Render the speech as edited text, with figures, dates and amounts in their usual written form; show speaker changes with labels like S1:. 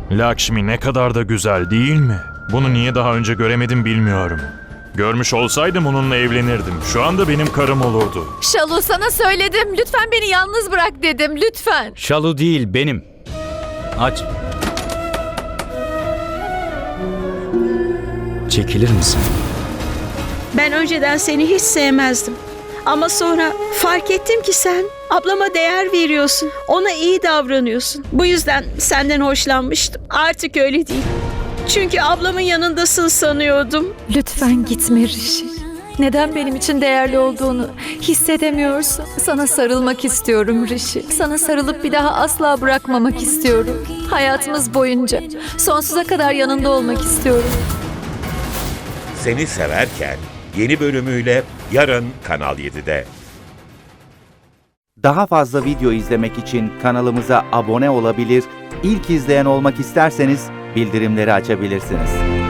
S1: Lakshmi ne kadar da güzel değil mi? Bunu niye daha önce göremedim bilmiyorum. Görmüş olsaydım onunla evlenirdim. Şu anda benim karım olurdu.
S2: Şalu, sana söyledim. Lütfen beni yalnız bırak dedim. Lütfen.
S3: Şalu değil, benim. Aç. Çekilir misin?
S4: Ben önceden seni hiç sevmezdim. Ama sonra fark ettim ki sen ablama değer veriyorsun. Ona iyi davranıyorsun. Bu yüzden senden hoşlanmıştım. Artık öyle değil. Çünkü ablamın yanındasın sanıyordum.
S2: Lütfen gitme Rishi. Neden benim için değerli olduğunu hissedemiyorsun? Sana sarılmak istiyorum Rishi. Sana sarılıp bir daha asla bırakmamak istiyorum. Hayatımız boyunca sonsuza kadar yanında olmak istiyorum.
S5: Seni Severken yeni bölümüyle yarın Kanal 7'de.
S6: Daha fazla video izlemek için kanalımıza abone olabilir, ilk izleyen olmak isterseniz bildirimleri açabilirsiniz.